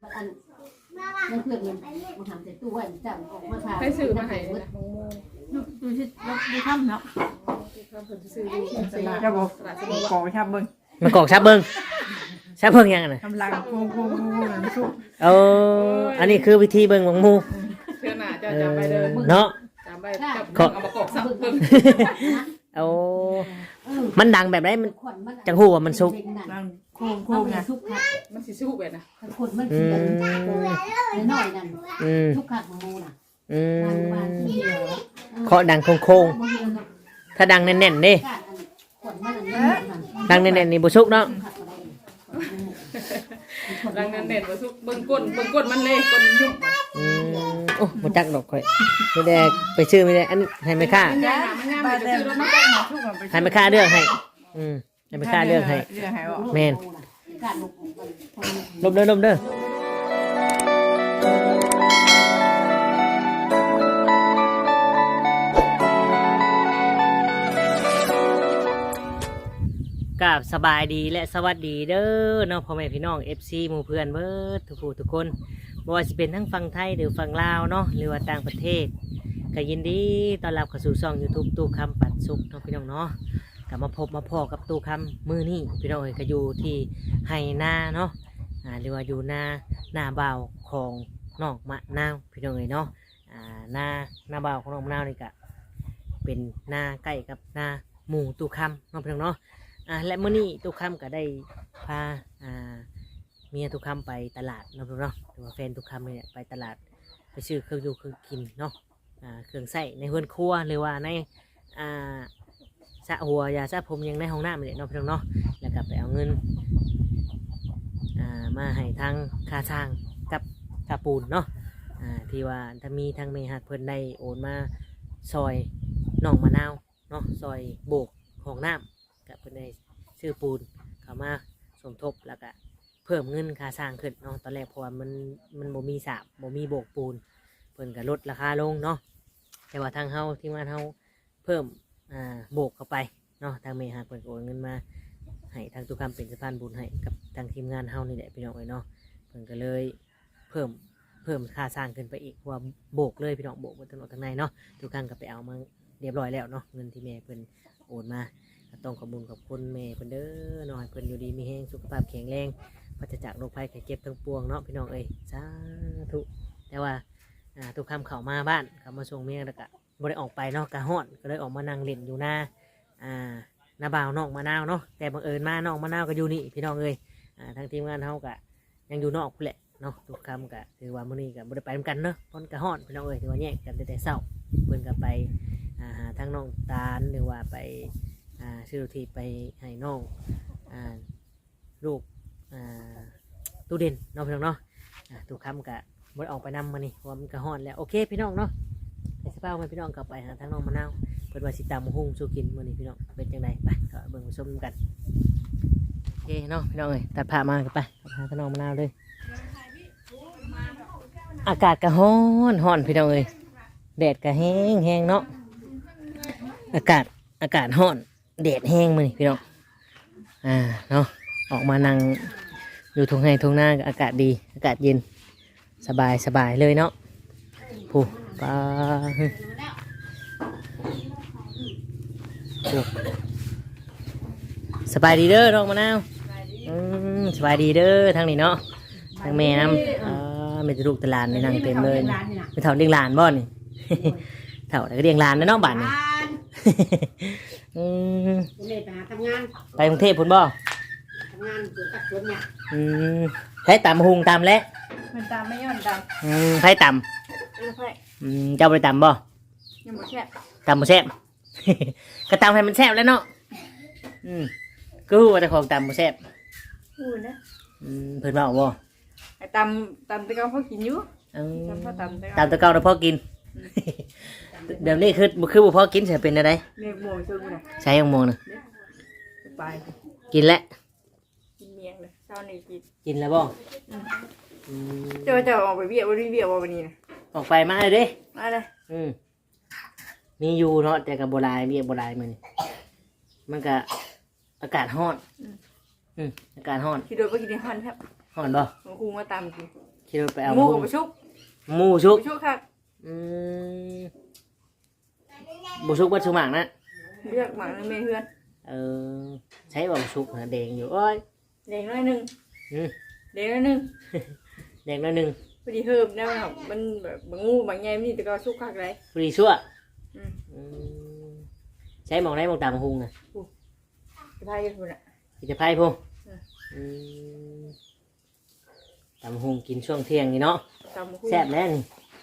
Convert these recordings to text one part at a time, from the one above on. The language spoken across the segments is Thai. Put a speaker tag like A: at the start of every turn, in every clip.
A: อันนั่นเพื่อนมันทำใส่ตู้ไว้จับออกมาทา
B: ให้ซื้อมาให้นะ
C: ดูสิดูค่ำเนาะ
B: ซื้อ
C: จะบอกกองชับเบิ้ง
D: มันกอกชับเบิ้งชับเบิ้งยังไงนะ
C: กำลังโค้งน้ำซุป
D: อันนี้คือวิธีเบิ้งของหมู
B: เชื่อหน้าจะจำไปเลย
D: เนาะ
B: จำไปจับเอามากอกซับเบิ่ง
D: เอามันดังแบบไหนมันจังหูว่ามันสุก
C: นั่งโค้งไง
A: ทุกขัด
B: มันสิสู้ไปนะ
A: คนมันกินกันน้อยนั่นทุกขัดของมูน่ะบางทีเดียว
D: เคาะดังโค้งๆถ้าดังแน่นๆเด้ดังแน่นๆนี่บ่สุกเนาะ
B: ดังนั้นเด่นว่าสู้เบิ่งก้นมันเลยก้นยุ่ง
D: โอ้บ่จักดอกข่อยไม่ได้ไปซื้อไม่ได้อันให้แม่ค้า
B: มันงามไปซื้อแล้วมัน
D: ให้แม่ค้าเลือกให้ให้แม่ค้าเลือกให้
C: เลือกให้บอก
D: แม่นลบเด้อกับสบายดีและสวัสดีเด้อเนาะพ่อแม่พี่น้อง FC หมู่เพื่อนเบิดทุกผู้ทุกคนบ่ว่าสิเป็นทั้งฝั่งไทยหรือฝั่งลาวเนาะหรือว่าต่างประเทศก็ยินดีต้อนรับเข้าสู่ช่อง YouTube ตู้คำปันสุขเนาะพี่น้องเนาะก็มาพบมาพอกับตู้คำมื้อนี้พี่น้องเอ้ยก็อยู่ที่ไห่นาเนาะหรือว่าอยู่หน้าบ่าวของน้องมะนาวพี่น้องเอ้ยเนาะหน้าบ่าวของน้องมะนาวนี่ก็เป็นหน้าใกล้กับหน้าหมู่ตู้คำเนาะพี่น้องเนาะและมื้อนี้ตู้คำก็ได้พาเมียตู้คำไปตลาดเนาะพี่น้องเนาะหรือว่าแฟนตู้คำเนี่ยไปตลาดไปซื้อเครื่องอยู่เครื่องกินเนาะเครื่องใส่ในเฮือนครัวหรือว่าในสระหัวยาสระผมยังในห้องน้ำเลยเนาะพี่น้องเนาะแล้วก็ไปเอาเงินมาให้ทางค่าสร้างกับค่าปูนเนาะที่ว่าถ้ามีทางเมหักเพิ่นได้โอนมาซอยน้องมะนาวเนาะซอยโบกห้องน้ำกับเพิ่นได้ซื้อปูนเข้ามาสมทบแล้วก็เพิ่มเงินค่าสร้างขึ้นเนาะตอนแรกเพราะว่ามันบ่มีสาบบ่มีโบกปูนเพิ่นก็ลดราคาลงเนาะแต่ว่าทางเฮาที่มาเฮาเพิ่มโบกเข้าไปเนาะทางเมหักเพิ่นโอนเงินมาให้ทางตุกคำเป็นสะพานบุญให้กับทางทีมงานเฮานี่แหละพี่น้องเอ้ยเนาะเพิ่นก็เลยเพิ่มค่าสร้างขึ้นไปอีกเพราะว่าโบกเลยพี่น้องโบกบนถนนทางในเนาะทุกครั้งก็ไปเอามาเรียบร้อยแล้วเนาะเงินที่แม่เพิ่นโอนมาต้องขอบคุณกับคุณแม่เพิ่นเด้อเนาะให้เพิ่นอยู่ดีมีแรงสุขภาพแข็งแรงปราศจากโรคภัยไข้เจ็บทั้งปวงเนาะพี่น้องเอ้ยสาธุแต่ว่าทุกคำเข้ามาบ้านเข้ามาส่งเมียแล้วก็บ่ได้ออกไปเนาะกะฮ้อนก็เลยออกมานั่งเล่นอยู่หน้าบ่าวน้องมะนาวเนาะแต่บังเอิญมาน้องมะนาวก็อยู่นี่พี่น้องเอ้ยทางทีมงานเฮาก็ยังอยู่นอกพุ่นแหละเนาะทุกคำก็ถือว่ามื้อนี้ก็บ่ได้ไปนำกันเนาะพ้นกะฮ้อนพี่น้องเอ้ยถือว่าแยกกันแต่เช้าเพิ่นก็ไปทางน้องตาลหรือว่าไปซื้อทีไปให้น้องลูกตู้เด่นเนาะพี่น้องเนาะทุกคำก็บ่ได้ออกไปนำมานี่เพราะว่ามันกะฮ้อนแล้วโอเคพี่น้องเนาะให้สภาพให้พี่น้องกลับไปหาทางน้องมะนาวเพิ่นว่าสิตำบักหุ่งสู่กินมื้อนี้พี่น้องเป็นจังไดไปก็เบิ่งชมกันโอเคเนาะพี่น้องเอ้ยตัดผ้ามากันไปหาทางน้องมะนาวเลยอากาศก็ร้อนพี่น้องเอ้ยแดดก็แห้งเนาะอากาศร้อนแดดแห้งมื้อนี้พี่น้องเนาะออกมานั่งอยู่ทุ่งไร่ทุ่งนาอากาศดีอากาศเย็นสบายเลยเนาะผู้ปลาสบายดีเด้อน้องมะนาวสบายดีเด้อทางนี้เนาะทางแม่น้ำไม่จะลูกตลาดในนั่งเต็มเลยไม่เท่าเลี้ยงหลานบ่นี่เท่าแต่ก็เลี้ยงหลานนะน้องบ้านนี่ไปกรุงเทพพุ่นบ่ใช้ตำหุงตำแล้ว
C: มันตามไม่ย่อนตาม
D: ใช้ต
C: ใช่
D: ำเจ้าไปตำบ่
C: ยังหมดแค่
D: ตำบ่แซ่บ ก็ตำให้มันแซ่บแล้วเนาะก็ว่าแต่ของตำบ่แซ่บ
C: พูดนะ
D: เพิ่นว่าบ่
C: ไอ้ตำตะเกาเขากินอยู่ตำพ่อตำ
D: ตำตะเกาเราพอกิน เดี๋ยวนี้คือบ่พอกินใช่เป็นอะไร
C: เมียโมยช่วยกูหน่อย
D: ใช้ยังโมงนะ
C: ไป
D: กินแล้ว
C: กินเมียงเลยเช้านี้กิน
D: กินแล้วบ่
C: เจ้าออกไปเบี้ยวันนี้เบี้ยวันนี้นะ
D: ออกไปมาเลยเด้
C: มาเลย
D: มีอยู่เนาะแต่กับโบราณเบี้ยโบราณมันก็อากาศร้อนอากาศร้อน
C: คิดโดยว่ากินในห้องครับ
D: ร้อนบ่
C: ครูมาตามกิน
D: ขี่รถไปเอา
C: หมู
D: มา
C: กับ
D: หุง
C: บ่ชุก
D: หมูชุก
C: บ่ชุกคัก
D: อืมบุชุกวัดชุหมากนะ
C: เรียกหมาในเมเฮือน
D: เออใช้บ่บุชุกนะแดงอยู่โอ้ย
C: เด็กน้อยหนึง
D: อืม
C: เด็กน้อยหนึง
D: แดงน้อยหนึง
C: พอดีเฮิมได้ครับมันแบบบางงูบางแง่มีแต่ก็ชุกคักเลย
D: พอดีชั่ว
C: อืม
D: อืมใช้หมองได้หมองตามมาหุงนะ
C: จะพายกันพุ่นน่ะ
D: กินจะไพ่พง
C: อืม
D: อืมตามมาหุงกินช่วงเที่ยงนี่เนาะ
C: ตามมาคุย
D: แซ่บแล้วนี่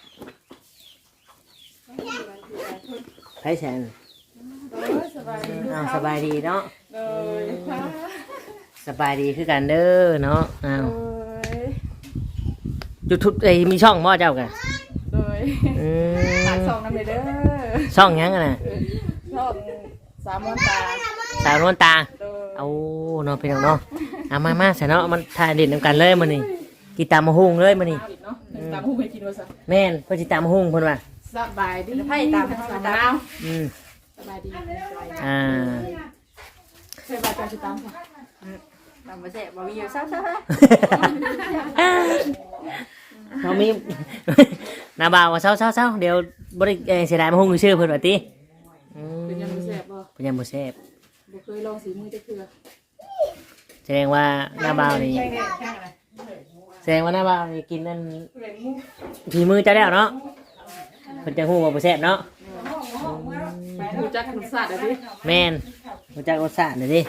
D: ไพ่แสน
C: สบายดี
D: อ้าวสบายดีเนาะ
C: เลยค่ะ
D: สบายดีคือกันเด้อเนาะอ้าว
C: เลย
D: ยูทูบเอ้ยมีช่องบ่เจ้ากัน
C: เลย
D: อื
C: ฝาก
D: ม
C: ส่องน้ำเลยเด้อ
D: ช่องหยังกันน่ะ
C: ชอบสามวันตา
D: สาวนวลตา
C: เลย
D: เอาเนาะพี่น้องเนาะเอามาใส่เนาะมันถ่ายเด็ดนำกันเลยมื้อนี้กินตามมาหุงเลยมื้อนี้
B: เนาะตามหูไปกินว่าซะ
D: แม่นเพิ่นสิตามมาหุงเพิ่นว่า
B: สบายดี
C: ไพ่ตาม
B: ส
C: ตา
B: บาย
C: ม
D: อืม
B: สบายดี
D: อ่า
B: เคยบาดใจสิตามค่ะ
C: ตามมาแซ่บบ่มีอยู่ซัก
D: เขามี นาบ่าวว่าเศร้าเดี๋ยวบ่ได้เสียดายมาหุงชื่อเพิ่นว่าติอืม
B: เป็นยังบ่แซ่บบ่
D: เพิ่นยังบ่แซ่บ
B: บ่เคยลองสีมือจักเทื่อ
D: แสดงว่านาบ่าวนี่แสดงว่านาบ่าวนี่กินนั่นฝีมือเจ้าแล้วเนาะเพิ่นจะฮู้ว่าบ่แซ่บเนาะ
B: รู้จักรสชาติได้ดิ
D: แม่นรู้จักรสชาติเด้อดิ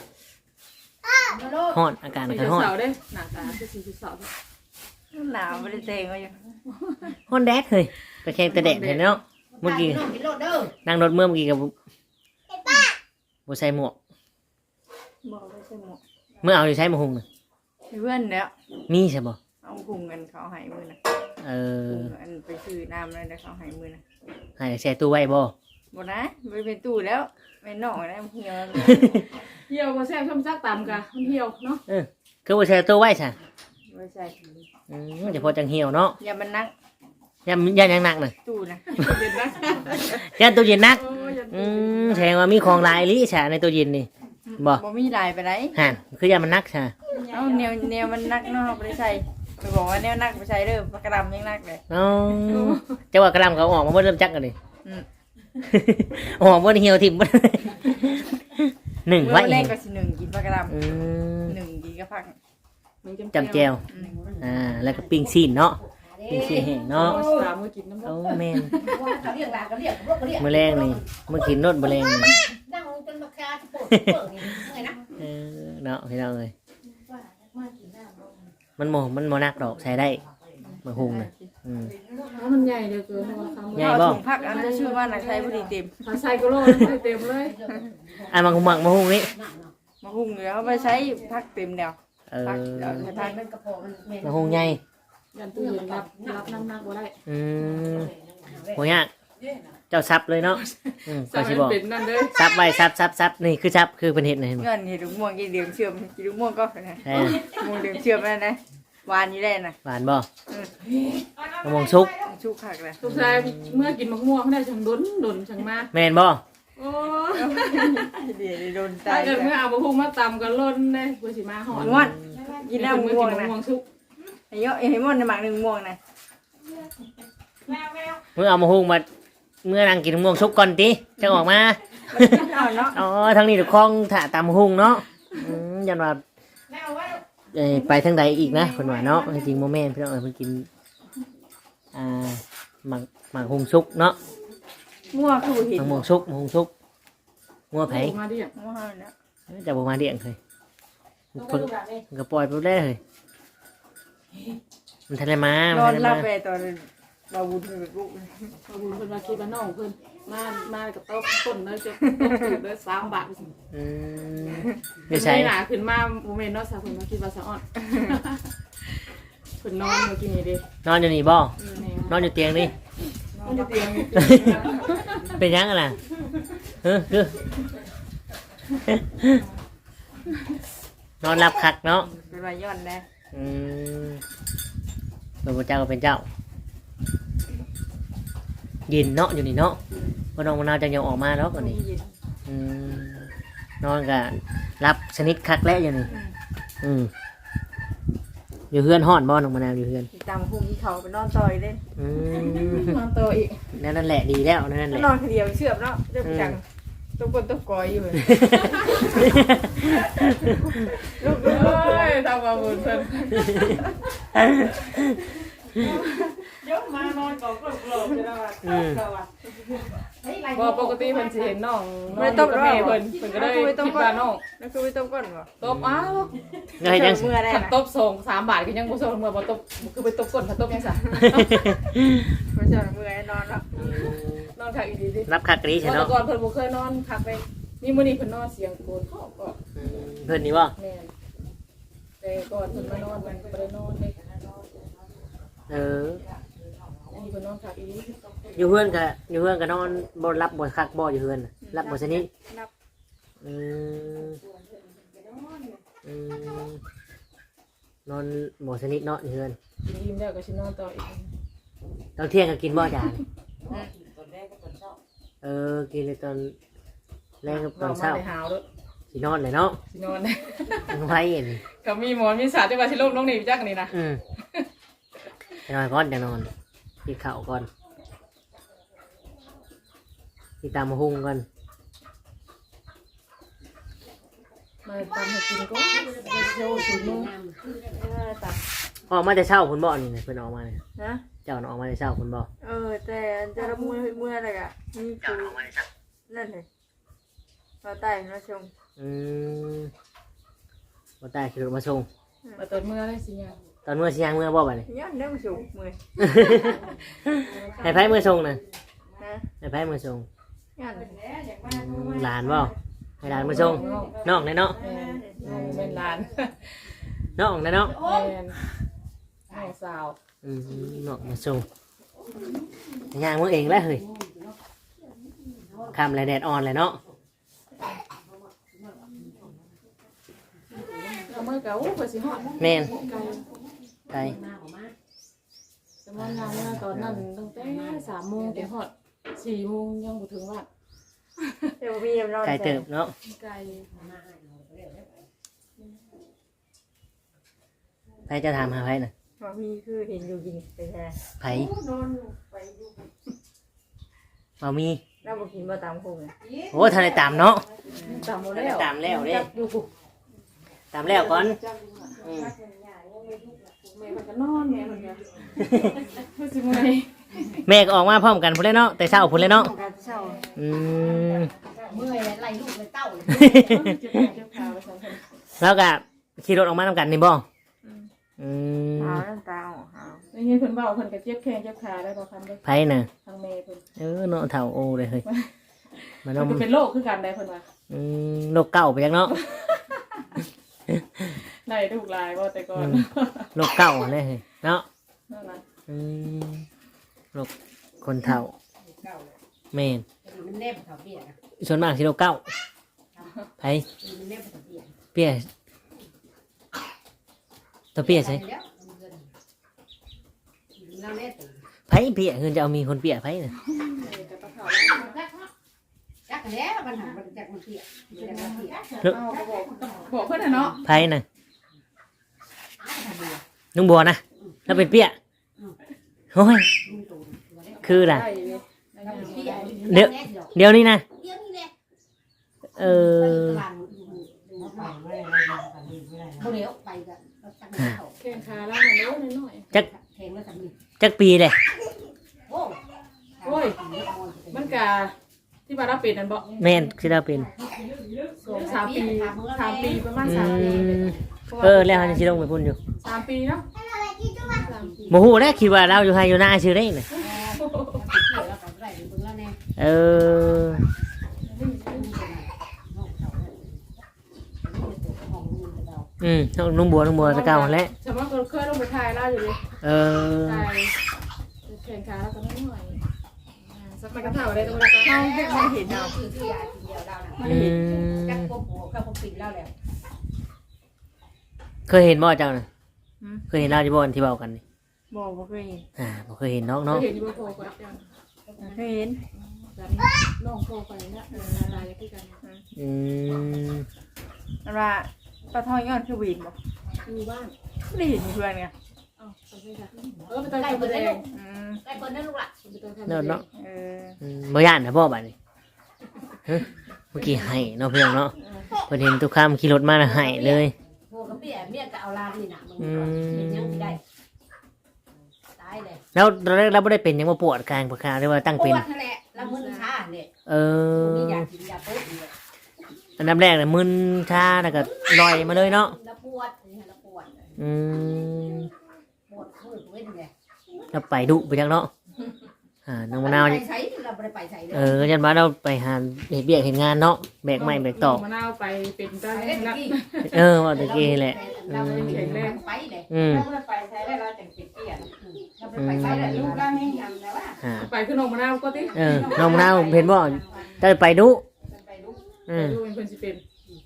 D: ฮ้อนอากาศ
B: สี
D: ก็ฮ้อน
B: เสาเด้หน้าตาคือสีเสาเด้
C: หนาวไม่ได้เตงก็อยู่
D: ฮ้อนแดดเฮ้ยไปแข่งแต่แดดเห็นเนาะเมื่อกี้นั่งรถเมื่อกี้กับบ่ใส่หมวก
C: บอกไม่ใช่หมด
D: เมื่อเอาอยู่ใช้มาหุงน่ะ
C: เพื่อนเนี่ย
D: มีใช่บ่
C: เอาพุงเงินเขาหายมือนะ
D: เออ
C: พุงอันไปซื้อน้ำเลยนะเขาหายมือนะ
D: ให้แช่ตู้ไว้บ่
C: หมดนะไม่เป็นตู้แล้วไม่นอกนะเหี่ยว
B: เหี่ยวบ่แซ่บชมจักตามกะมันเหี่ยวเนาะ
D: คือบ่แช่ตู้ไว้ซะ
C: ไม่ใช่
D: จะพอจังเหี่ยวเนาะ
C: อย่ามันนั่ง
D: ยันยังหนักน่ะ
C: ตู้นะ
B: เด็ดนะ
D: ยันตู้เย็นนัก
B: โอ้ย
D: แสดงว่ามีของหลายอีหลิซะในตู้เย็นนี่บ่
C: บ่มีลายไปไหน
D: ห่นคือยันมันนักซะ
C: เอาแนวมันนักเนาะไม่ได้ใส่ไปบอกว่าแนวนักไปใส่เด้อปากกระดำยังนักเลย
D: เอ้าจะว่ากระลำเขาออกมาบ่เริ่มจักกันดิ
C: อืม
D: ออกบ่เหี่ยวทิ่มบ่ หนึ่ง
C: เมื่
D: ไว้
C: อแรกก็สิหนึ่งกินปากกระด
D: อืม
C: ำหนึ่งกินกระพัก
D: จำแจวแล้วก็ปิ้งซีนเนาะปิ้งซีนแห้งเนาะ
B: ตามมือกินน้ำ
D: โอ้แม่นมื้อแรงนี่มื้อกินโนดบ่แรงนี่เนาะพี่น้องเอ้ยมันบ่นักดอกใช้ได้มาหุงน่ะอืม
B: มันใหญ่เด้อเกินว่าคำ
D: ใหญ่
C: เอา
D: บ่
C: ถุงผักอันจะชื่อว่านักใช้พอดีเต็ม
B: ถ้าใส่ก็โลไม่เต็มเลย
D: อันมาหุงมาหุงนี่
C: มาหุงเดี๋ยวเขาไปใช้ผักเต็มแล้ว
D: เอ
C: ผัก
D: อ
C: เดี๋ยวใช้ผัก
D: มาหุงใหญ่
B: ยันตู้เย็นรับน้ำหนักบ่ได้
D: อืมโหยากเจ้าซับเลยเนาะก็สิบอก
B: เป็นนั่นเด้อ
D: ซับไว้ซับนี่คือซับคือเพิ่นเฮ็ดน่ะเห็นบ่
C: เงินเห็ดลูกม่วงกินเหลืองเชื่อมกินลูกม่วงก็นะ
D: ใช่
C: ม่วงเหลืองเชื่อมนั่นนะหวานอยู่ได้นะ
D: หวานบ่มะม่วงสุก
C: ชุกผักเลย
B: ทุกชายเมื่อกินมะม่วงได้ช่างดนช่างมา
D: แม่นบ่
B: โอ้
C: เดี๋ยวโดน
B: ถ้า
C: ตาย
B: เกิดเมื่อเอามะม่วงมาตำกันล้นได้เพื่อสิมาหอด
C: ม่วนกินแล้ว
B: เมื่อ
C: ม่ว
B: กิ
C: ง
B: นมะ
C: นะ
B: ม่วงสุก
C: ไอ้เยอะไอ้ม่วงในหมักหนึ่งม่วงนะ
D: มื้อเอามาหุงมาเมื่อนั่งกินมะม่วงสุกก่อนติจังออกมา
C: เอาเนาะ
D: อ๋อทางนี้ถูกคล้องถ่าตามหุงเนาะยันว่าไปทางใดอีกนะเพิ่นว่าเนาะจริงๆบ่แม่นพี่น้องเพิ่นกินหมักหุงสุกเนาะ
C: ม่วงคือเห็ด
D: มะม่วงสุกงัวไผ
B: มาดิ
C: ม่วงเนี่ย
D: จะบ่มาเลี้ยงเคยเพิ่นก็ปล่อยไปได้เลยมันทะเลมาน
C: อน
D: ทะเล
C: หลั
D: มา
C: บไปตอนเราบุญเป็นลูก
B: ขอบคุณเพิ่นมาคิดว่าน้องเพิ่นมากับโต๊ะต้นเลยจะต้องถือเลย3 บาท
D: อืม
B: ไม่
D: ไม่
B: ใช่
D: ใช่
B: หนาขึ้นมาโมเมนต์เนาะสาวเพิ่นมาคิดว่าสะอ่อนเพิ่นนอนเมื่อกี้นี่เด้
D: นอนอยู่นี่บ่นอนอยู่เตียงนี่
B: นอนอยู่เตียง
D: เป็นยังไงล่ะคือนอนหลับคักเนาะ
C: เป็นวายย้อนได้
D: อืมเป็นพระเจ้าก็เป็นเจ้าเย็นเนาะอยู่นี่เนาะพอน้องมะนาวจะยังออกมาแล้วก่อนนี่อืมนอนกับรับสนิทคักแล้วอยู่นี่อืมอยู่เฮือนฮ้อนบ่น้องมะนาวอยู่เฮือน
C: สิตามพุ่งที่เขาไปนอนต่อยเด้
B: นอนตัวอีก
D: นั่นแหละดีแล้วนั่นแหละ
C: นอนคนเดียวเชื่อมเนาะเรื่องจังต้องกดต้องกอยอยู่เลยลูก
B: เอ้ยทำมาบุญเพิ่นยกมานอนกอกลบๆจะได้ว่าบ่ปกติเพิ่นสิเห็นน้องไม่ต้องกับแม่เพิ่นก็ได้คิดว่าน้อง
C: นั่นคือไม่ต้องก้นบ่
B: ตบอ้าว
D: เฮ้ยจัง
C: เมื่อได้
B: ขัน
C: นะ
B: ตบส่ง3 บาทก็ยังบ่ส่งเมื่อบ่ตบคือไปตบก้นถ้าตบยังซะ
C: ไม่ใช่เมื่อนอนแล้ว
B: นอนคักอีดีดิ
D: รับคักรีใช่
B: แต่
D: เนาะ
B: ก่อนเพิ่นบ่เคยนอนคักไปนี่มื้อนี้เพิ่นนอนเสียงโกนเขาก็
D: เพิ่นนี่บ่
B: แม่นแต่ก่อนเพิ่นมานอนมันบ่ได้นอนเด้
D: เออ
B: อันนี้เพิ่นนอนคักอีดี
D: อยู่เฮือนก็นอนบ่รับบ่คักบ่อยู่เฮือนน่ะรับบ่สนิท
C: นับ
D: อืมอืมนอนบ่สนิทเนาะอยู่เฮือน
B: กินอิ่มแล้วก็สินอนต่ออีก
D: ตอนเที่ยงก็กินบ่จานเออกินในตอนแรกกับตอนเช้า
B: ได้หาวเด้อ
D: สินอนเลยเนาะ
B: สินอน
D: ไว้เห็น
B: ก็มีหมอนมีสาดจังว่าสิลงน้องนี่จักนี่นะ
D: จะนอนก่อนจะนอนกินข้าวก่อนกินตามมาหุงก่อน
B: มาตามให้กินก็โชว์สูมือ
C: ตัด
D: ออกมาแต่เช้าคุณบ่นี่นะเพิ่นออกมาเนี่ย
C: นะ
D: เจ้าน่ะออกมาแต่เช้าคุณบ่
C: แต่จะรับมืออะไรอ่ะนี่คือนั่นเลยเราใต้มาชม
D: บ่ตายขี่รถมาส่ง
B: มาตอนมื้อได้สิยา
D: ตอนเมื่อสิยังเมื่อบ่บัดนี้
C: ย้อนเรื่องสูงมือ
D: ให้ไผมือส่งน่ะ
C: นะ
D: ให้ไผมือส่ง
C: ย้อน
D: หลานบ่ให้หลานมือส่งน้องได้เนาะ
B: แม่เป็นหลาน
D: น้องได้เนาะ
B: แม่น้องสาว
D: น้องมาส่งย่างมือเองแล้วเฮ้ยคำไรแดดอ่อนเลยเนาะ
B: เอามื่อเก่าเพิ่นสิฮอด
D: แม่นไกล
B: สมมุติว่าเมื่อตอนนั้นตั้งแต่3 โมงถึงฮอด4 โมงยังบ่ถึงวัด
C: เดี๋ยวมีนอน
D: ไกลเติบเนาะ
B: ไกล
D: ไผจะถามหาไผน่ะ
C: ว่ามีคือเห็นอยู่ยิงไปแท้
D: ไผบ่มี
C: เราบอกกินมาตามคง
D: โอ้ทันได้ตามเนาะ
B: ตามบ่แล้ว
D: ตามแล้วเด้
B: อยู่
D: ตามแล้วก่อนอืม
B: แม่มันก็นอนแม่มันก็เพิ่นสิเมื่อย
D: แม่ก็ออกมาพร้อมกันพุ่นเลยเนาะแต่เช้าพุ่นเลยเนาะ
C: การเช่า
D: อืม
A: เมื่อยไล่ลูกเลยเต้าเลย
B: เจ็บขาไปซั่นเพิ่น
D: แล้วก็ขี่รถออกมานํกันนี่บ่อืม
C: หาวน้ำตาหาว
B: ได้ยินเพิ่นเว้าเพิ่นก็เจ็บแข้งเจ็บขาได้บ่คันเด้อ
D: ไผน่ะ
B: ทางแม่เพิ่น
D: เนาะเฒ่าโอเลยเฮ้ยมัน
B: มันก็เป็นโรคคือกันได้เพิ่นว่า
D: โรคเก่าไปจักเนาะ
B: ได้ลูกหลายบ่แต่ก่อน
D: โรคเก่าเลยเฮ้ยเนาะ
B: นั่นน่ะ
D: โรคคนเฒ่าแม่น
A: มันแนบเขาเบี้ยนะ
D: ส่วนมากสิโรคเก่าไผ
A: มันแนบเขาเบี้ย
D: เปี้ยตัวเปี้ยใช่
A: เราเล่น
D: ไผเปี้ยเงินจะเอามีคนเปี้ยไผน่ะ
B: แต่ปลาเผา
A: จักแล้วมันหันมันจักมันเบี้ยมันจักมันเบี้ย
B: เอาก็บอกเพิ่นน่ะเนาะ
D: ไผน่ะลุงบัวนะแล้วเป็นเปี้ยโอ้ยคือล่ะ
B: ได้เลย
D: เดี๋ยวนี้นะ
A: เดี๋ยวนี้แหละ
D: เออ
A: บ่เดี๋ยวไปกันจักเขา
B: แข้งขาล่างมันน้อย
D: จัก
A: แทงแล้วสามี
D: จักปีเลย
A: โอ้
B: โอ้ยมันกะที่ว่าเราเป็นนั่นบ่
D: แม่นที่เราเป็น
B: 3 ปีประมาณ
D: อื
B: 3 ปี
D: มแล้วเขาจะชิลงไปพุ่นอยู่
B: 3 ปีเนาะ
D: โมโหนะคิดว่าเราอยู่ไฮอยู่หน้าชื่อได้น่ะเออลุงบัวตะเกาแล้ว
B: สมมติเราเคยลงไปถ่ายเราอยู่เลย
D: เออ
B: ถ่ายแข่งขาแล้วก็น้อยสักมันก็เท่าได้ตรงนั้น
C: เขาไม่เห็นเรา
A: คือที่ยากินเดียวเราน่ะ
D: อืม
A: จักพวกหัวกับพวกปิดเราแล้ว
D: เคยเห็นบ่เจ้าน่ะเคยเห็นเราอยู่บ่อนที่เบากันนี่
C: บอกว่าเคยเห็น
D: บ่เคยเห็นน้อง
B: เค
D: เนาะ
B: ยเห็นอยู่บนโพก่อนจัง
C: เคยเห็น
B: น้องโพไปเนี่ยลายที่กัน
D: อืม
C: ว่าปลาทองย้อนคือวีนบอก
B: อยู่บ้าน
C: ไม่เห็นเพื่อนไง
B: ไปตอน
A: ใกล้
B: กำ
A: เปิดได้
B: แด
A: ลู
B: ง
A: กใกล้เปิดได้ลูกล่ะ
D: เนาะเนาะ
C: เออ
D: บ่ย่านนะบ่บัดนี้ฮะเมื่อกี้ให้เนาะเพื่อนเนาะเพิ่นเห็นทุกคำขี่รถมาแล้วให้เลย
A: โหกับเปียเมียก็เอาลานนี่น่ะมึง
D: อื
A: เป็นยัง
D: ม
A: ได้ตายเลย
D: แล้วตอนแรกเราบ่ได้เป็นหยังบ่ปวดกลางปวดขาหรือว่าตั้ง
A: ป
D: เป็น
A: วดนั่นแหละแล้วมึนชาเนี่ย
D: เออ
A: มียากินยาปุ๊บเนี่ย
D: อันดับแรกน่ะมึนชาแล้วก็ลอยมาเลยเนาะ
A: แล้วปวดนี่แล้วปวด
D: อืม
A: ปวดมือเว้นเลย
D: แล้วไปดุไปจังเนาะน้องมะนาว
A: ไปใช้เราไม่ได้ไปใช้เลย
D: ยันว่าเราไปหาเฮ็ดเวียกเฮ็ดงานเนาะแบกไม้แบกตอก
B: มะนาวไปเป็นตา
A: ไป
B: แร
A: ได้
B: ก
A: กี่
D: ว่าตะกี้แหละ
A: เราไม่ได้แข็งแรงไปเลย
D: อืม
A: เราไม่ได้ไปใช้ได้เราแต่งเป็ดเตี้ยเราไม่ได้ไปใช้ได้ลูกเราไม่ยำแล้วว่า
B: ไปขึ้นนมมะนาวก็ติ
D: น้องมะนาวเห็นบ่จะไปดุ
A: ไปลูก
B: ดูเป็นคนสิเป็น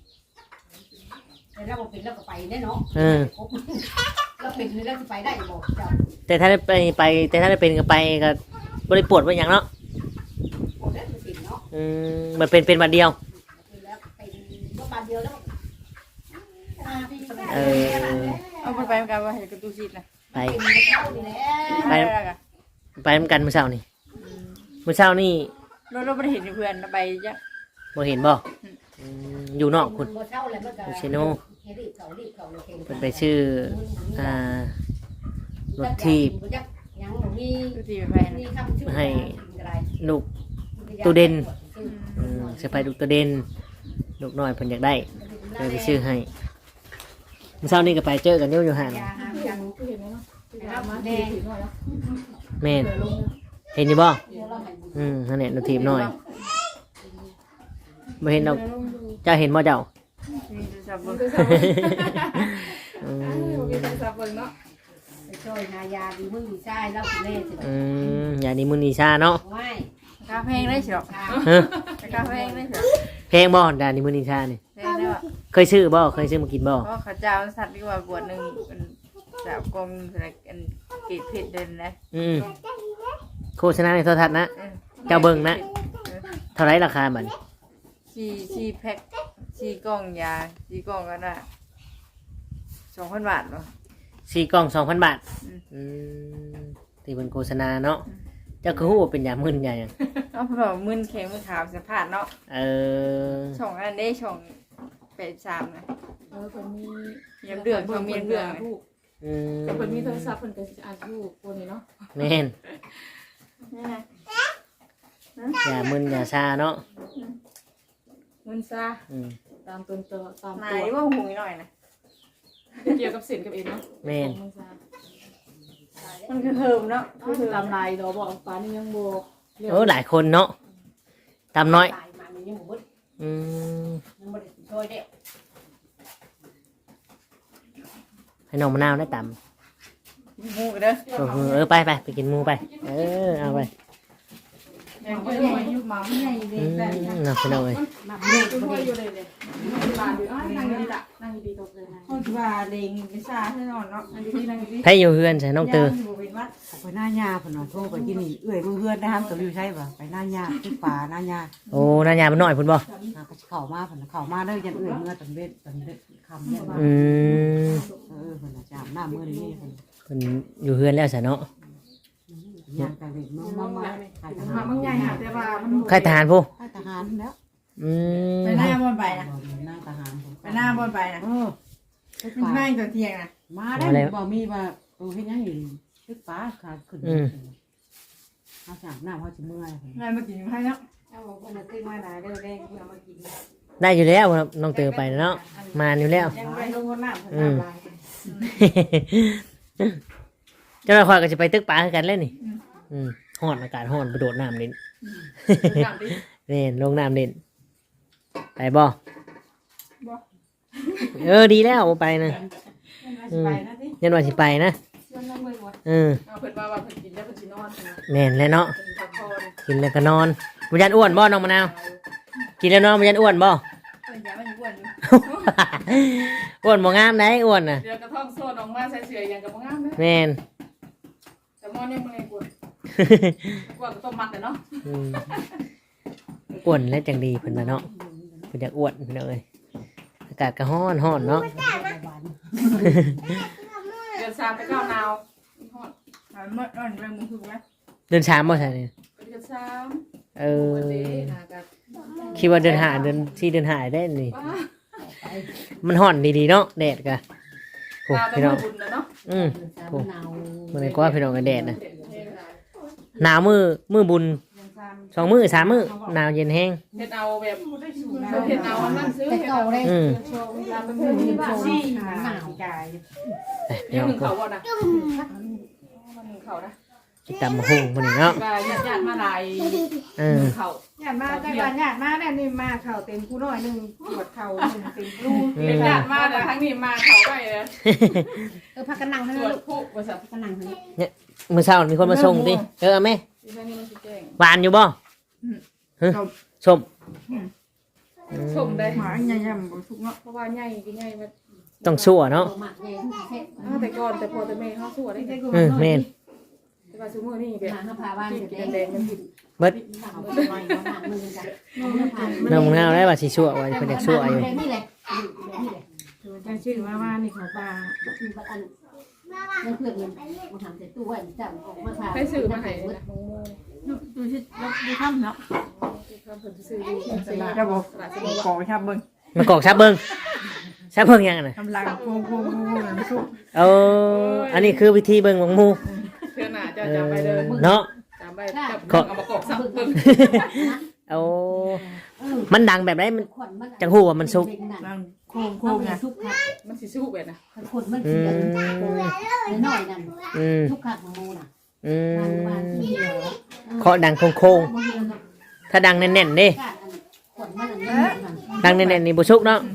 A: เราเป็นเราก็ไปแน่เนาะเราเป็นเราจะไปได้บอกเจ้า
D: แต่ถ้าได้ไปแต่ถ้าได้เป็นก็ไปก็บ่ได้ปวดว่าหยังเนาะ
A: โอ้ได้เป็นเนาะ
D: มันเป็นบัดเดียว
A: เป็นแล้วเป็นก็บานเดียวแล้ว
C: เอาไปกันว่าเห็นกระตูซีดนะ
D: ไป
A: เป็นเข้าดีแล้ว
C: ไปแล้วกัน
D: ไปนำกันมื้อเช้านี่มื้อเช้านี่
C: เราไม่ได้เห็นเพื่อนไปจ้ะ
D: บ่เห็นบ่อยู่นอกคุณ
A: เช่าเลยเมื่อกี้
D: ชิโน่
A: รีบเขาเลย
D: เพิ่นไปชื่อรถทีบ
A: ยังมี
C: ตูซีไป
A: มีคำชื่อ
D: ให้ลูกตัวเด่นสิไปลูกตัวเด่นลูกน้อยเพิ่นอยากได้เลยไปชื่อให้มื้อเช้านี่ก็ไปเจอกันอยู่ห่าง
A: ยาห้ามยัง
B: ก็เห็นแล้วเนาะ
A: รับ
B: มา
A: แด
B: ดี
A: ง
B: ถึงหน่อยแล้ว
D: แม่น
B: เผื่อลง
D: เห็นอยู่บ่
A: เดี๋ยวเราให้
D: นั่นแหละรถทีบน้อยบ่เห็นดอกเจ้าเห็นบ่เจ้า
C: มีสับ
B: มัน
C: บึ้
B: ก็
C: ง
B: สับมีคนสับเบิ่งเนาะ
A: ไปช่วยยาดีมึงดีใช่แล้วคุณเล่สิ
D: อย่างนี้มื้อนี้ชาเนาะ
A: ไม่
C: กาแฟได้สิหรอก
D: ฮะ
C: กาแฟได้สิหรอ
D: เพลงบ่ดานนี้มื้อนี้ชานี่
C: แพงได้ป่ะ
D: เคยซื้อบ่เคยซื้อมากินบ่
C: เพราะข้าเจ้าสัตว์ดีกว่าบวชหนึ่งเป็นสาวกรมอะไรกันกีดผิดเดินนะ
D: โฆษณาในโทรทัศน์นะเจ้าเบิ่งนะเท่าไหร่ราคาบัดนี้
C: ชีแพ็คชีกล่องยาชีกล่องก็ได้2,000 บาทเนาะ
D: 4กล่อง 2,000 บาทที่เพิ่นโฆษณาเนาะเจ้าคือฮู้ว่าเป็นยามึนยาหยัง
C: เอาเพราะมึนแข็งมือขาวสัมผัสเนาะ ช่องอันได้ช่อง83นะ
B: คนมี
C: ยำเดือดช่องมียำเดือด
B: ถูกแต่คนมีโทรศัพท์คนก็อ่านถูกคนนี้เนาะ
D: แม่นยามึนยาชาเนาะ
B: มึนซาตามตัวตาม
C: ไหน
B: ตัว
C: ว่าหูหน่อยนะ
B: เกี่ยวกับเส้นกับเอ็นเนาะ
D: แม่น
B: มึนซา
C: มันคือเฮิมเนาะ
B: ตามลายเราบอกฟ้านี่ยังโบ
D: โอ้หลายคนเนาะตามน้อย
A: ตายมามันยังหมด
D: อืม
A: ยังไม่ได้ช่วยเด็ก
D: ให้น้องมะนาวได้ตาม
C: หูกันเด้อ
D: ไปไปกินหมูไปเอาไป
C: ยังไม่ได้ยุบมาไม่ได้เลยแต่
D: เนาะพี่น้องเอ้ย
A: มา
B: เด็กช่วยอยู่เลยลานอยู่นั่งดีละนั่งดีตกเลยนะ
C: คนว่าเล็งไม่ทราบแน่นอนเนาะ
B: นั่งดีนั่งดี
D: ไผอยู่เฮือนใส่น้องเตอ
C: เป็นวัด
E: ไปหน้าหญ้าพุ่นน่ะโทรไปกินนี่เอื้อยเพื่อนได้ห้ามกับอยู่ใช่ป่ะไปหน้าหญ้าที่ป่าหน้าหญ้า
D: โอ้นายามันน้อยพุ่นบ่
E: ก็เข้ามาพุ่นน่ะเข้ามาเด้อยันเอื้อยเมื่อตอนเบ็ดคำเนี่ย พุ่นน่ะจามหน้ามื้อนี้พุ่น
D: เพิ่นอยู่เฮือนแล้วซะเนาะ
E: ย่างแต่เด็กมาขายทหาร
B: มันใหญ่ค่ะแต่ว่ามัน
D: ใครทหารผู้
E: ขายทหารแล้ว
C: ไปหน้าบนไปนะ
E: หน้าทหาร
C: ไปหน้าบนไปนะเป็นแม่ตัวเทียงนะ
E: มาได้บ่มีว่าเฮ็ดหยังอยู่ตึกป่าขาขึ้นเอาจากน้ำเฮาสิเมื่อย
C: งานมากินให้เนาะ
A: เอาคนมาซื้อมาหลายเด้อแดงเอามากิน
D: ได้อยู่แล้วน้องเตอไปเนาะมาอยู่แล้ว
A: ยังไปลงน้ำ
D: เจ้าหน้าที่ก็จะไปตึกป่าคือกันเล่นนี่ฮ้อนอากาศฮ้อนไปโดดน้ำเล่นเล่นลงน้ำเล่นไปบ่ดีแล้วไปนะยันว่าสิไปนะ
B: เพิ่นว่าเพิ่นกินแล้วเพิ่นสินอน
D: แน่นแล้วเนาะ
B: เพิ่นพักผ่อน
D: กินแล้วก็นอนบุญยันอ้วนบ่น้องมะนาวกินแล้วนอนบุญยันอ้วนบ่
C: เป็นยามันอ้วน
D: อ้วนบ่งามได้อ้วนน่ะ
B: เดี๋ยวกระท่อมโซนออกมาใส่เสื้ออย่างกับบ่งามเด้
D: แม่น
B: แต่มอนี่มึงไงกูกว่าก็ต้มมัดเนาะ
D: อ้วนและจังดีเพิ่นว่าเนาะเพิ่นอยากอ้วนเพิ่นเอ้ยอากาศก็ฮ้อนเนาะ
B: เดือน3ไป9หนาวฮอด
C: เมื่อวันแรงมือคือไหม
D: เดือน3บ่ใช่นี่
B: เดือน3
D: เออ
B: วันนี้หากัน
D: คิดว่าเดือน5เดือน4เดือน5ได้นี่มันฮ้อนดีๆเนาะแดดก็โอ้
B: ตาแต่
D: พี่น้อง
B: บุญนะเนาะ
D: อืม
A: โอ้หนาว
D: มื้อนี้ก็ว่าพี่น้องก็แดดนะหนาวมือบุญ2มื้อ3มื้อหนาวเย็นแห้ง
B: เฮ็ดเอาแบบเฮ็ดเอาอันนั้นซื้อ
A: แต่
B: เฮ็ด
A: เก่า
B: เอา
A: เลย
D: อืม
A: ลาเป็นเพื่อนที่โชว์หนาว
D: ไปพี่
B: เดี๋ยว
D: น้อง
B: หนึ่ง
D: ก็
B: เขาบ่นะหนึ่งเขานะ
D: กินตำบักหุ่งมื้อนี้เนาะ
B: ว่าญาติมาหลาย
D: เออ
B: เขา
C: หยาดมาแต่วันหยาดมาเนี่ยนี่มาเข่าเต็มผู้น้อยหนึ่งปวดเข่าหนึ่งเต็มรู
B: เป็นญาติมาแต่ครั้งนี้มาเขาไปเลย
A: พักกันนั่งให้
B: ตรวจผู้บริษัท
A: พักกันนั่งให้
D: มื้อเช้ามีคนมาส่งติเอาแม่
B: ที่นี่มันสิแจ้ง
D: หวานอยู่บ่ฮะส้ม
B: ชมได้
C: หมาใหญ่ๆบ่ทุกเนาะ
B: เพราะว่าใหญ่ก็ใหญ่มา
D: ต้องชั่วเนาะ
A: หมักใหญ่เฮ็ด
B: แต่ก่อนแต่พอแต่แม่เขาสู้ได้
D: แม่น
B: แต่ว่าซุมื้อนี้แบบ
A: หาพาบ้าน
B: ที่
A: เสร็จ
B: กิน
A: แล้
B: แดงมันผิด
D: เบิด
A: หมักมือกัน
D: น้องมะนาวได้ว่าสิชั่วไว้เพิ่นอยากชั่วอยู่
A: นี่แหละนี่แหละ
C: จะชื่อว่านี่เขาปลา
A: คืออันนั่นเพื่อนมันทำแต่ตู้ไว้จับออกมาทา
B: ให้ซื้อมาให้นะมงโม
C: ดูชิดูข้ามเนาะ
B: ที่เขาเพิ่นซื้ออยู่ตลาด
C: จะบอก
B: ตลาดสมุทร
C: กอชับเบิ้ง
D: มากอกชับเบิ่งชับเบิ่งยังอะน่ะ
C: กำลังโค้งน้ำซุป
D: เอออันนี้คือวิธีเบิ่งของหมู่
B: เชื่อหน้าจะจำไปเลย
D: เนาะ
B: จำไปจับเอามากอกซับเบิ่ง
D: เอามันดังแบบไหนมัน
A: ขวัญมัน
D: จังฮู้ว่ามันสุก
C: นั่งโค้งไง
A: สุกค่ะ
B: มันสิสู้แบบนะ
A: ขนมันเสียน้อยนั่น
D: อืม
A: ทุกขาของมูน่ะ
D: อื
A: มัน
D: ม
A: เดียว
D: เคาะดังโค้งๆถ้าดังแน่นๆเด้
A: ขนมันอันนี้
D: ดังแน่นๆนี่บ่สุกเนาะ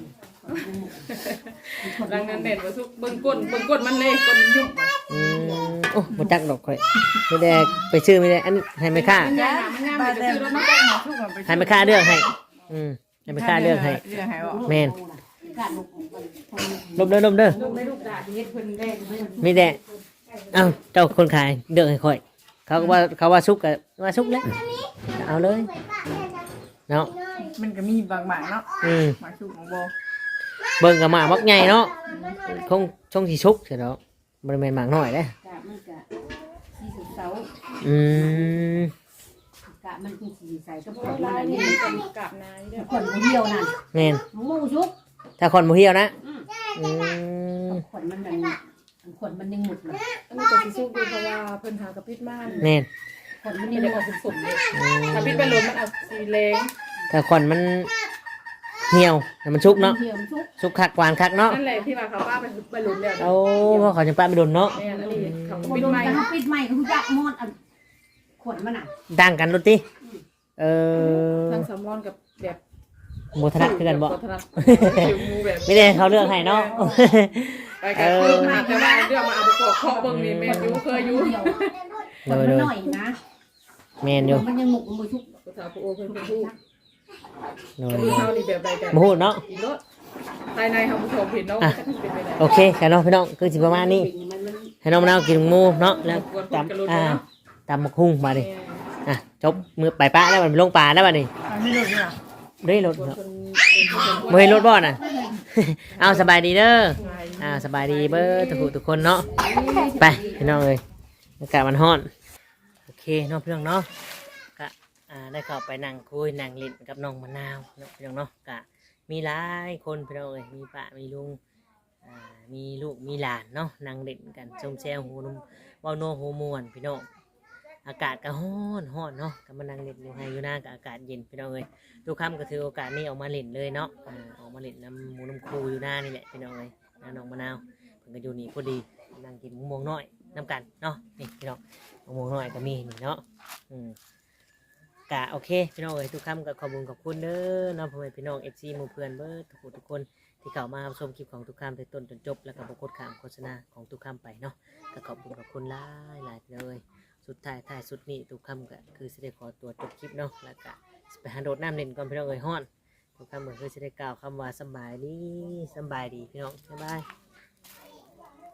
B: ดังนั้นเด่นว่าสู้เบิ่งก้นมันเลยก้นยุ่ง
D: อืมโอ้บ่จักดอกข่อยไม่ได้ไปซื้อไม่ได้อันให้แม่ค้า
B: มันงามมันงาม
C: ปลา
B: ไป
C: แดง
B: ซื้อแล้ว
C: มั
B: มัน น
C: ก็มาทุกคนไป
D: ให้แม่ค้าเลือกให้ให้แม่ค้าเลือกให้
C: เลือกให้บอก
D: แม่น
A: การลง
D: ลบเด้อลบเด้อ
B: ลูกไม่ลูกด่าเฮ็ดเพิ่นแดง
D: มีแต่เอ้าเจ้าคนขายเลือกให้ข่อย เขาว่าสุกก็ว่าสุกแล้วเอาเลยเนาะ
C: มันก็มีบางๆเนาะ
D: อืม
C: มาชุกของโบ
D: เบิ่งกับหมากมักใหญ่เนาะคงช่องสิสุกเสียแล้วบ่ได้แม่นหมากน้อยเด้
A: กะมันกะสีสุดเสา
D: อืม
A: กะมันคือสีใสก็ผ
B: โอ้
A: ลมัน
B: ลาย
A: อัน
B: นี่
A: นี้
B: เป็นกาบนายเด้อ
A: ขนเหี่ยวนั่น
D: แม่น
A: มูชุก
D: ถ้าคนบ่เหี่ยวนะอืม
A: ขนมันยังขนมันยังหมุดเลย
B: อันนี้ก็สิสู้ดูเพราะว่าเพิ่นหากระปิดม่าน
D: แม่น
A: ขนมัน
B: นี่
A: ยัง
B: ได้ออกสุ่มๆเลยถ้าปิดไปลมมันเอาสีแดง
D: ถ้าคนมันเหี่ยวให้มันสุกเนาะ
A: เหี่ยวชุก
D: สุกคักหวานคักเนาะ
B: นั่นแหละที่ว่าเขาป้าไปลมแล้ว
D: เอาเพราะเขาจะป้าไปโดนเนาะ
B: แม่อันนี้เขา
A: โอ้
B: ปิด
A: โดน
B: ไม้
A: กันปิดใหม่ก็คือยักมอดอันขนมันอ่ะ
D: ดังกันรถติเออ
B: ทางสามอนกับแบบ
D: โมทนัดคือกันบ่
B: ถนัดผิวมูแบบ
D: ไม่ได้เขาเลือกให้เนาะ
B: ไปกันคือมาแต่ว่าเรื่องมาเอาประกอบเคาะเบิ่งนี่แม่อยู่เคยอยู่
A: เหี่ยวขนมันหน่อยนะ
D: แม่นอยู่
A: มันยังหมุกมันชุก
B: ภาษาผู้โอเพิ่นเป็นผู้
D: โด
B: กระ
D: ย
B: ดูกเฮานี่แบบใดกัน
D: บ่ฮู้เนาะ
B: อีรถภายในเฮาผู้ชมเห็นเนาะจะเป็นไปได้
D: โอเคกันเนาะพี่น้องคือสิประมาณนี้ ให้น้องมะนาวกินหมูเนาะแล้วตำตำบักหุ่งมาดิอ่ะจบมือไปป้าแล้วมันลงปลาแล้วบัดนี้
C: ไม่ดูเนี่ย
D: ได้รถเนาะบ่เห็นรถบ่น่ะ เอาสบายดีเด้อสบายดีเบ้อทุกคนเนาะไปพี่น้องเอ้ยอากาศมันร้อนโอเคเนาะพี่น้องเนาะก็ได้เข้าไปนั่งคุยนั่งเล่นกับน้องมะนาวเนาะพี่น้องเนาะก็มีหลายคนพี่น้องเอ้ยมีป้ามีลุงมีลูกมีหลานเนาะนั่งเล่นกันชมแซวหูนุ่มเว้าโนหูม่วนพี่น้องอากาศก็ร้อนเนาะก็มานั่งเล่นอยู่ให้อยู่หน้าก็อากาศเย็นพี่น้องเอ้ยทุกค่ำก็ถือโอกาสนี้ออกมาเล่นเลยเนาะออกมาเล่นน้ำหมูน้ำคูอยู่หน้านี่แหละพี่น้องเอ้ยน้องมะนาวเพิ่นก็อยู่นี่พอดีนั่งกินมะม่วงน้อยน้ำกันเนาะนี่พี่น้องมะม่วงน้อยก็มีนี่เนาะกะโอเคพี่น้องเอ้ยทุกค่ำก็ขอบคุณเด้อเนาะพ่อแม่พี่น้อง FC หมู่เพื่อนเบิดทุกคนที่เข้ามาชมคลิปของทุกค่ำแต่ต้นจนจบแล้วก็บ่กดข้ามโฆษณาของทุกค่ำไปเนาะก็ขอบคุณหลายเลยสุดท้ายสุดนี้ทุกค่ำก็คือสิได้ขอตัวจบคลิปเนาะแล้วก็ไปหาโดดน้ำเล่นก่อนพี่น้องเอ้ยฮ้อนทุกค่ำก็คือสิได้กล่าวคำว่าสบายดีพี่น้องบ๊ายบาย